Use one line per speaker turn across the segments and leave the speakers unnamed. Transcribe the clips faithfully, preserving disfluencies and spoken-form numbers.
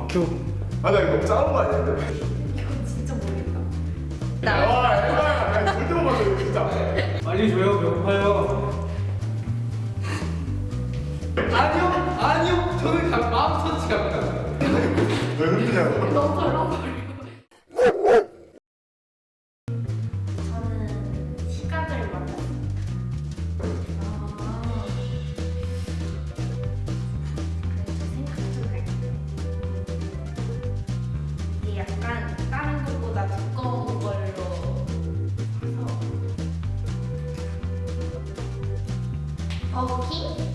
큐.
아, 나 이거 너무 작은 거 아니야? 근데?
이건 진짜 모르겠다.
와, 에바야. 아니, 절대 못 맞춰, 이거 진짜.
빨리 줘요. 배고파요.
아니요, 아니요. 저는 가, 마음 터치 갑니다.
왜 흔드냐고.
너무 덜렁거려. 저는 시각을 만났어요. 아. 그래서 생각 좀 할게요. 이게 약간 다른 것보다 두꺼운 걸로 해서 버거킹?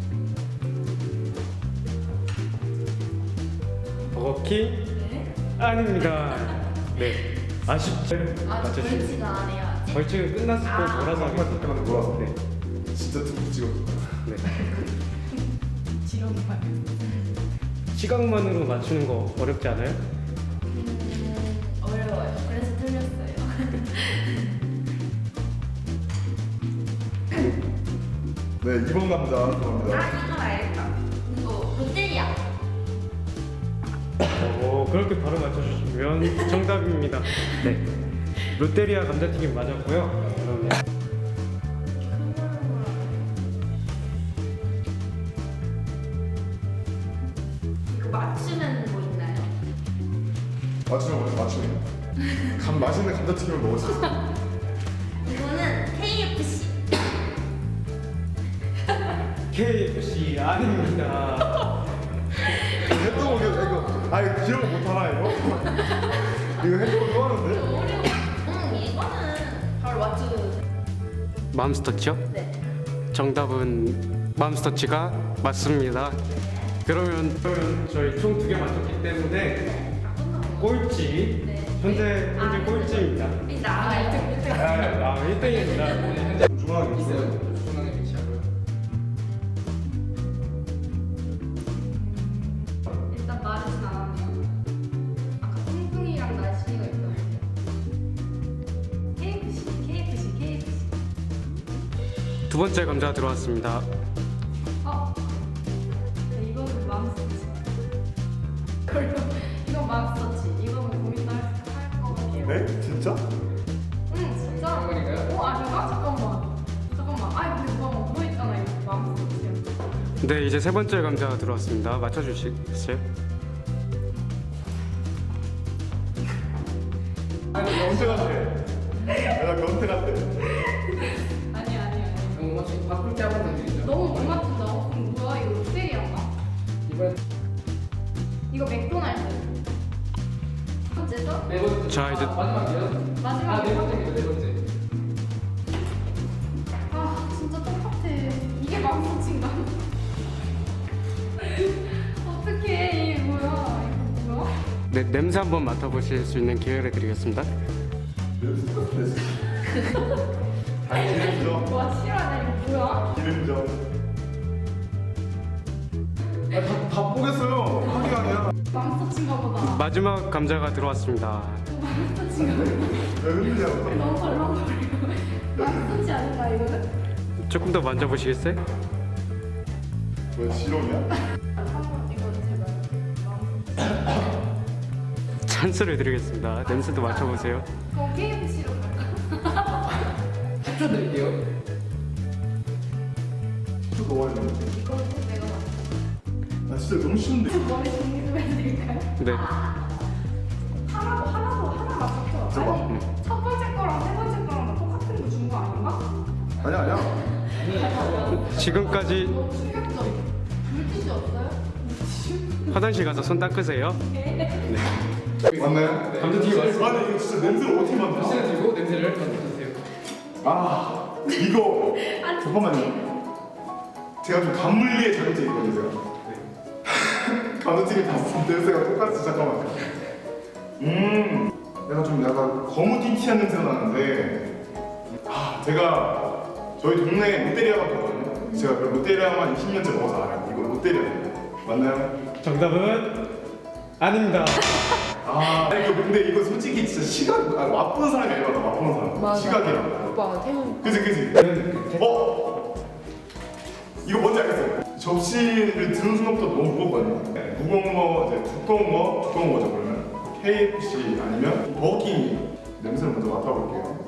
버거킹?
네.
아닙니다. 네. 아쉽죠?
아,
맞춰주시면.
벌칙은 안 해요. 아직.
벌칙은 끝났을 때
아.
몰아서
정말
하겠습니다.
잠깐만 놀아서.
네.
진짜 툭툭 찍었어.
네.
지렁이 말.
시각만으로 맞추는 거 어렵지 않아요?
음, 어려워요. 그래서 틀렸어요.
네, 이번 남자
아,
들어갑니다.
이건 알겠다. 이거 롯데리아.
오, 그렇게 바로 맞춰주시면 정답입니다. 네. 롯데리아 감자튀김 맞았고요. 그러면
이거 맞추면 뭐 있나요?
맞추면 뭐야, 맞추면. 감, 맛있는 감자튀김을 먹을 수 있어.
이거는 케이에프씨.
케이에프씨 아닙니다.
햄버거 이거. 아, 이거 기억 못하나, 이거? 이거 햄버거 좋아하는데?
어려워. 응, 이거는 바로 맞추고.
맘스터치요?
네.
정답은 맘스터치가 맞습니다. 그러면 그러면 저희 총 두 개 맞췄기 때문에 꼴찌
네.
현재 현재
아,
꼴찌입니다.
나 일 등, 일 등.
아, 아 일 등입니다.
중앙에
있어요. 중앙에 위치하고요.
일단 마르진 않았네요. 아까 뚱뚱이랑 날씨가 있다고. 케이에프씨, 케이에프씨, 케이에프씨.
두 번째 감자 들어왔습니다.
어? 네, 이거는 맘스터치. 그리고 이건 맘스터치. 이거는 고민도 할것 같아요.
네? 진짜?
응, 진짜.
이건가요?
어, 아닌가? 잠깐만. 잠깐만. 아이, 근데 누가 뭐 있잖아. 이거 맘스터치야.
네, 이제 세 번째 감자 들어왔습니다. 맞춰주시겠어요?
아니, 변태 같아. 내가 변태 같아.
아니, 아니, 아니.
너무 멋지. 바꿀 때 한번 던지죠.
너무 못 맞춘다. 어, 그럼 뭐야? 이거 롯데리아인가?
이번
이거 맥도날드. 첫 번째죠?
네 번째.
자, 이제-
아, 마지막이요.
마지막.
아, 네 번째입니다. 네 번째.
아, 진짜 똑같아. 이게 맘스터치인가? 어떡해. 이게 뭐야? 이거 뭐야?
네, 냄새 한번 맡아보실 수 있는 기회를 드리겠습니다.
냄새 똑같은데. 아, 기름져.
와, 싫어하네. 이거 뭐야?
기름져. 아, 다, 다 보겠어요. 하기가 아니야.
맘스터치인가 보다.
마지막 감자가 들어왔습니다.
맘스터치인가 보다.
왜 흔드냐고.
너무 덜렁거리고. 맘스터치 아닌가, 이거는?
조금 더 만져보시겠어요?
왜 지렁이야?
한번 이거는 제발. 맘스터치.
찬스를 드리겠습니다. 냄새도 맡아보세요.
저 케이에프씨로 갈까?
추천드릴게요.
또 넣어야 되는데.
이거는 내가 맞
나 진짜 너무 쉬운데.
머리 정리 좀 해드릴까요?
네.
하나도 하나도 하나 맞췄죠?
저거.
아니 첫 번째 거랑 세 번째 거랑 똑같은 거 준 거 아닌가?
아니야, 아니야.
지금까지
너무 충격적이야. 물티슈 없어요?
화장실 가서 손 닦으세요.
맞나요?
감자튀김 맛있어.
아니, 이거 진짜 냄새를 어떻게 맡나?
시간 들고 냄새를 맡아주세요.
아, 이거. 잠깐만요. 제가 좀 감물리에 자격증이 있거든요, 제가. 감자튀김 다 냄새가 똑같지, 잠깐만. 음, 내가 좀 약간 거무튀튀한 냄새가 나는데, 아, 제가 저희 동네에 롯데리아가 있거든요. 제가 그 롯데리아만 이십 년째 먹어서 알아요. 이거 롯데리아예요. 맞나요?
정답은 아닙니다.
아, 이거 근데 이거 솔직히 진짜 시각, 아, 맛보는 사람이 알바다, 맛보는 사람.
맞아.
시각이랑.
오빠 태훈
그지, 그지? 어? 이거 뭔지 알겠어요. 접시를 드는 순간부터 너무 무겁거든요. 무거운 거 이제 두꺼운 거 두꺼운 거죠 그러면 케이에프씨 아니면 버거킹 냄새를 먼저 맡아볼게요.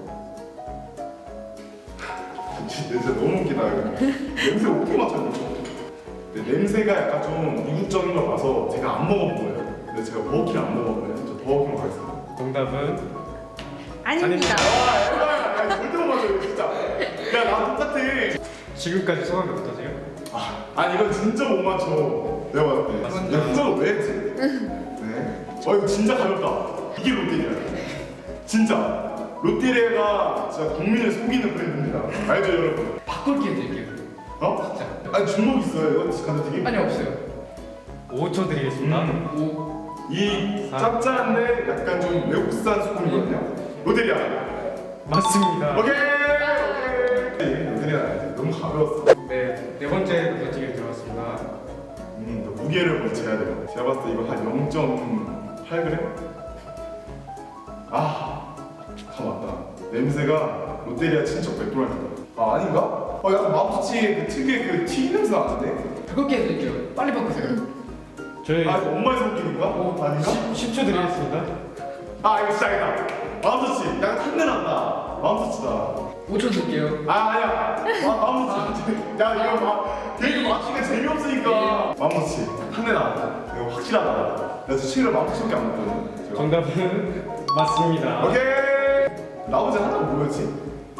진짜 냄새 너무 웃기다 이거. 냄새 어떻게 맡아볼까? 냄새가 약간 좀 이국적인 걸 봐서 제가 안 먹어본 거예요. 근데 제가 버거킹 안 먹어봐요. 저 버거킹으로 가겠습니다.
정답은
아닙니다.
아, 에바야, 아니, 절대 못 맞아요, 진짜. 야, 나 똑같아.
지금까지 소감이 어떠세요?
아, 아니 이건 진짜 못 맞춰. 내가 봤을 때.
맞습니다.
야, 후자로 왜 했지? 네. 어, 이거 진짜 가볍다. 이게 롯데리아. 진짜. 롯데리아가 진짜 국민을 속이는 브랜드입니다. 알죠, 여러분?
바꿀 기회 드릴게요.
어?
진짜.
아니 주먹 있어요, 이거 감자튀김?
아니 없어요.
오 초 드리겠습니다.
음.
오.
이 짭짤한데 약간 좀 외국산 소금이거든요. 롯데리아.
맞습니다.
오케이. 오케이. 롯데리아 너무 가벼웠어.
네, 네 번째 감자튀김 들어갔습니다.
음, 또 무게를 먼저 재야 돼요. 제가 봤을 때 이거 한 영 점 팔 그램? 아, 다 맞다. 냄새가 롯데리아 친척 맥도날드다. 아, 아닌가? 어, 약간 마푸치의 그 특유의 그 튀김 냄새 나는데?
바꿀 기회 드릴게요. 빨리 바꾸세요.
저희
아, 이거 엄마의 손길인가? 어, 아닌가?
십 초 드리겠습니다.
아, 이거 진짜 아니다. 마음터치. 약간 탄내 난다. 마음터치다.
오 초 드릴게요.
아, 아니야. 마, 마음터치. 야, 이거 마, 되게 맞추기가 재미없으니까. 마음터치. 탄내 나. 이거 확실하다. 나 진짜 친구를 마음터치밖에 안 먹거든. 제가.
정답은 맞습니다.
오케이. 나머지 하나가 뭐였지?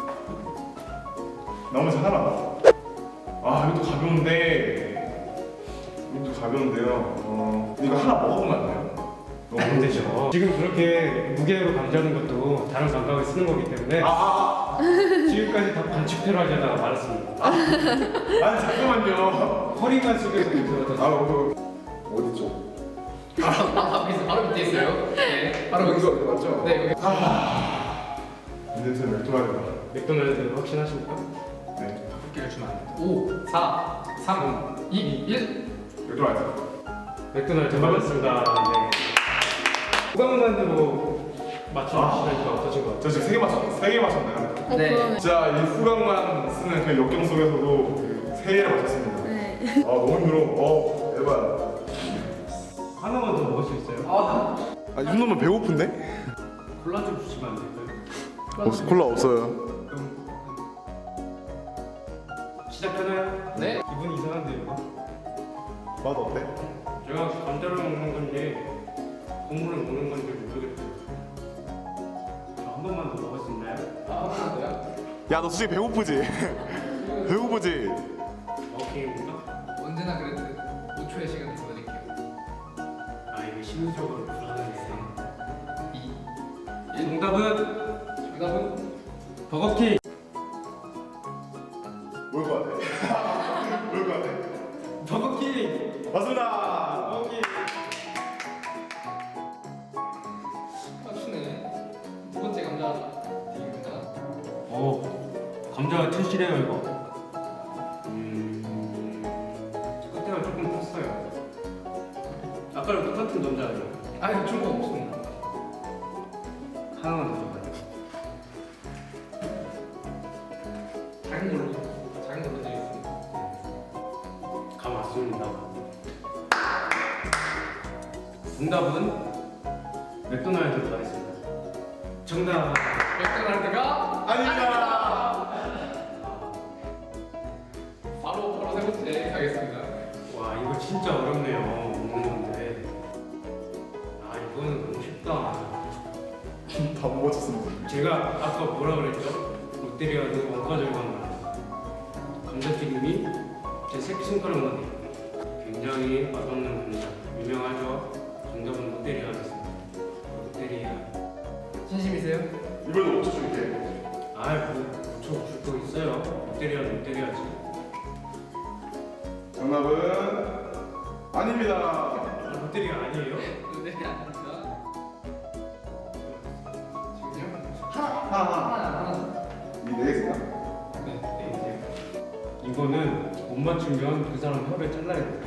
나머지 하나. 아 이것도 가벼운데. 이것도 가벼운데요. 어 이거 하나 먹어보면 안 돼요? 너무
안 되죠. 지금 그렇게 무게로 감지하는 것도 다른 감각을 쓰는 거기 때문에
아, 아,
지금까지 다 반칙대로 하려다가 말았습니다.
아. 아니 잠깐만요.
허리만 숙여서 이렇게
아 어, 어디 죠?
바로 앞에 있어. 바로 밑에 있어요. 네. 바로
여기서
여기서.
어디 맞죠?
네 여기.
아. 이 냄새 맥도날드다.
맥도날드 확신하십니까?
네.
기회를 주면 안 돼. 오, 사, 삼, 이, 일.
맥도날드.
맥도날드 맞았습니다. 네. 후광만으로 맞추시니까 어떠신 것 같아요?
저 지금 세 개 맞췄 세 개 맞췄나요?
어,
네.
그러네.
자, 이 후광만 쓰는 그 역경 속에서도 그세 개를 맞췄습니다.
네.
아 너무 힘들어. 어 대박.
하나만 더 먹을 수 있어요?
아,
아 이 정도면 배고픈데?
콜라 좀 주시면 안 될까요?
없, 콜라 없어요.
그럼 시작하나요?
네.
기분이 이상한데요?
맛 어때?
제가 감자를 먹는 건지 국물을 먹는 건지 모르겠어요. 저 한 번만 더 먹을 수 있나요?
아, 하나도요?
야 너 솔직히 배고프지? 배고프지?
오케이입니까?
언제나 그랬듯 오 초의 시간을 더 드릴게요.
아 이게 심리적으로 불안하네.
이.
정답은
정답은
버거킹.
뭘 것 같아? 뭘 것 같아?
버거킹.
맞습니다.
버거킹.
맞추네. 두 번째 감자 튀김입니다.
오 감자가 튼실해요 이거. 음 끝에가 조금 컸어요. 아까랑 똑같은 감자예요.
아, 이거 거 없습니다.
하나만 더 줘봐요.
작은 걸로, 작은 걸로 드리겠습니다.
감 왔습니다. 정답은 맥도날드 가겠습니다. 정답.
맥도날드가
아닙니다.
바로 바로 세 번째 가겠습니다.
와 이거 진짜 어렵네요. 먹는 건데. 아 이거는 너무 쉽다.
다 못 맞췄습니다.
제가 아까 뭐라 그랬죠? 롯데리아는 원가절감 말. 감자튀김이 제 새끼손가락만 돼요. 굉장히 맛없는 감자. 유명하죠? 정답은 롯데리아였습니다. 롯데리아.
진심이세요?
이번에 오 초 줄게.
아이 뭐 저줄 거 있어요. 롯데리아 롯데리아지.
정답은 아닙니다.
아, 롯데리아 아니에요?
네, 아닙니다. 지금요?
하나 하나
하나, 하나.
이네 개인가?
네, 네 이제 이거는 못 맞추면 그 사람 혀를 잘라야 돼요.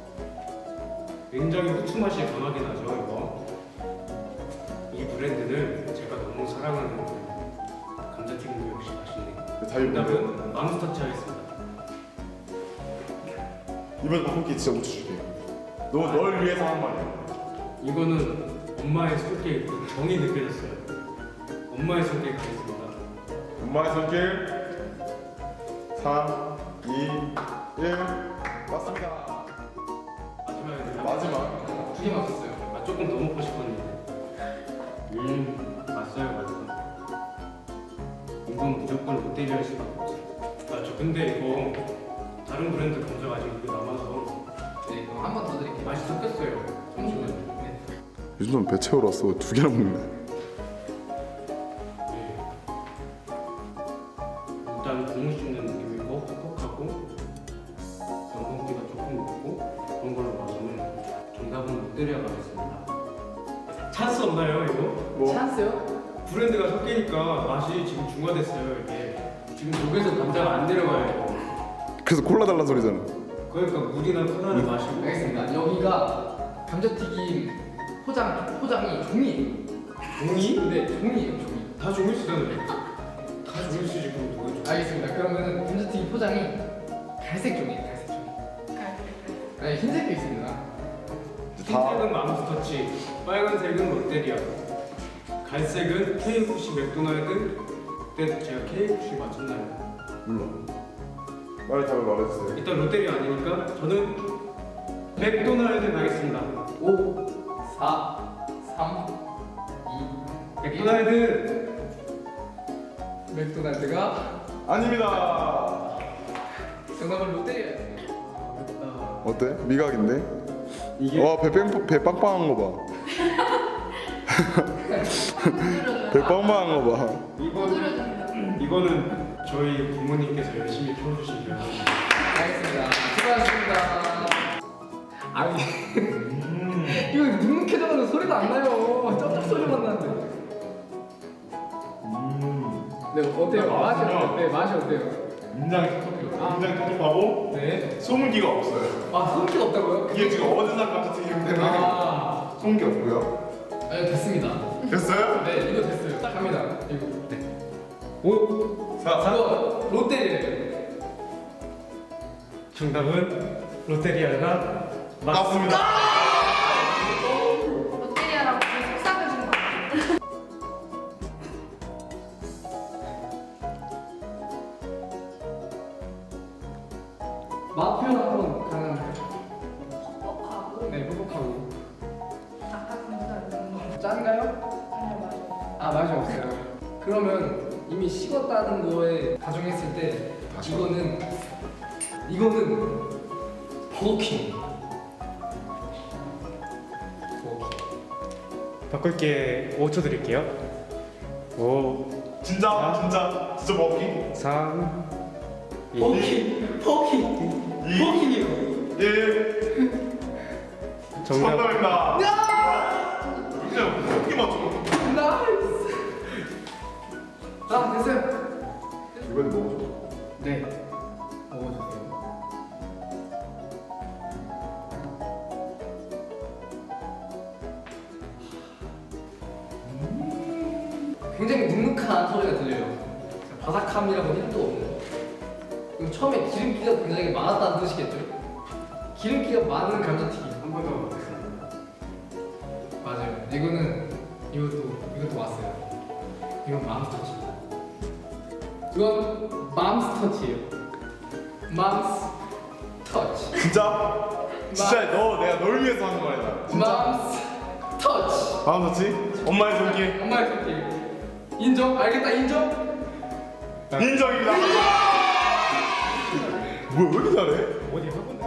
굉장히 후추 맛이 강하게 나죠 이거. 이 브랜드는 제가 너무 사랑하는 브랜드. 감자튀김도 역시 맛있네요.
자유
정답은 맘스터치 하겠습니다.
이번 바꾸기 진짜 오 초 줄게. 너 널 위해서 한 말이야.
이거는 엄마의 손길 그 정이 느껴졌어요. 엄마의 손길 가겠습니다.
엄마의 손길 삼, 이, 일 맞습니다.
마지막에
마지막.
두 개 맞았어요.
아, 조금 더 먹고 싶었는데. 음, 맞어요, 맞아요. 이건 무조건 롯데리아 할 수밖에 없어요. 아, 저 근데 이거 다른 브랜드 감자가 아직 이거 남아서
네, 그럼 한 번 더 드릴게요.
맛이 섞였어요.
잠시만요. 네.
요즘 배 채우러 왔어. 두 개나 먹네.
네. 일단 국물 씹는 느낌이고 퍽퍽하고 전분기가 조금 높고 그런 걸로 봐서는 정답은 롯데리아 가겠습니다. 찬스 없나요, 이거?
뭐?
찬스요?
브랜드가 섞이니까 맛이 지금 중화됐어요, 이게. 지금 독에서 감자가 안 내려가요.
그래서 콜라 달란 소리잖아.
그러니까 물이나 코나를 마시고.
알겠습니다. 여기가 감자튀김 포장 포장이 종이에요.
종이?
네, 종이에요, 종이.
다 종이 쓰잖아요. 다 종이 쓰지, 그럼 누가 종이?
알겠습니다. 그러면 감자튀김 포장이 갈색 종이에요, 갈색 종이. 아니, 흰색도 있습니다.
흰색은 맘스터치, 빨간색은 롯데리아, 갈색은 케이에프씨 맥도날드. 그때 제가 케이에프씨 맞췄나요?
몰라. 빨리 답을 말해주세요.
일단 롯데리아 아니니까 저는 맥도날드 가겠습니다.
오, 사, 삼, 이.
맥도날드.
맥도날드가
아닙니다.
정답은 롯데리아예요.
어때? 미각인데?
이게
와, 배, 뺑, 배 빵빵한 거 봐. 배 빵빵한 거 봐.
이거는 이거는 저희 부모님께서 열심히 키워주신 거예요.
알겠습니다. 수고하셨습니다. 아니, 이거 눅눅해져가지고 소리도 안 나요. 쩝쩝 소리만 나는데. 네, 어때요?
아,
맛이
맛있네요.
어때요? 네, 맛이 어때요?
굉장히 톡톡해요. 굉장히 톡톡하고
네.
소문기가 없어요.
아, 소금기가 없다고요?
이게 지금 어디서 감자튀김 때문에
아,
소문기 없고요.
아니, 됐습니다.
됐어요?
네, 이거 됐어요. 갑니다. 이거. 네.
오,
자,
이거 롯데리아예요.
정답은 롯데리아가
맞습니다.
롯데리아라고 속삭여준 거 같아요.
맛 표현 한번 가능한가요?
퍽퍽하고
네, 뻑뻑하고.
닭가슴살 이런 거.
짠가요?
아니요, 맞아요.
아, 맛이 없어요. 그러면 이미 식었다는 거에 가정했을 때 이거는 이거는 버거킹. 버거킹.
바꿀게. 오 초 드릴게요. 오,
진짜, 진짜, 진짜 먹기.
삼, 이.
버거킹. 버거킹.
이.
버거킹이요.
일.
정답.
정답입니다. 진짜 어떻게 맞춰?
나이스. 아, 됐어요.
이건 먹어줘.
네. 먹어주세요. 굉장히 눅눅한 소리가 들려요. 바삭함이라고는 일도 없는. 그럼 처음에 기름기가 굉장히 많았다는 뜻이겠죠? 기름기가 많은 감자튀김.
한 번 더 먹겠습니다.
맞아요. 이거는 이것도 이것도 왔어요. 이건 맘스터치입니다. 이건 맘스터치예요. 맘스터치.
진짜? 진짜 너 내가 널 위해서 하는 거야. 진짜?
맘스터치.
다음 좋지? 엄마의 손길.
엄마의 손길. 인정? 알겠다. 인정?
인정입니다. 뭐야 왜 이렇게 잘해?
어디 한 군데?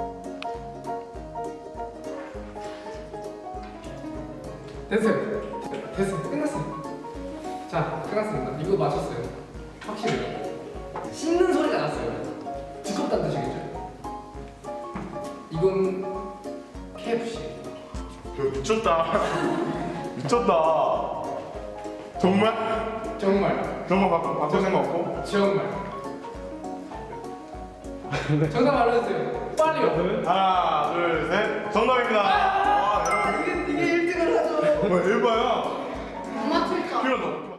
됐어요. 됐어요. 끝났어요. 자, 끝났습니다. 이거 맞췄어요. 확실해요. 씹는 소리가 났어요. 두껍다는 뜻이겠죠? 이건 케이에프씨.
야, 미쳤다. 미쳤다. 정말?
정말.
정말 바꿔, 바꿀 생각 없고?
정말. 정답 알려주세요. 빨리요.
하나, 둘, 셋. 정답입니다. 와, 여러분.
이게 이게 일 등을 하죠.
뭐, 일바야?
못 맞출 줄 알았어.
필요 없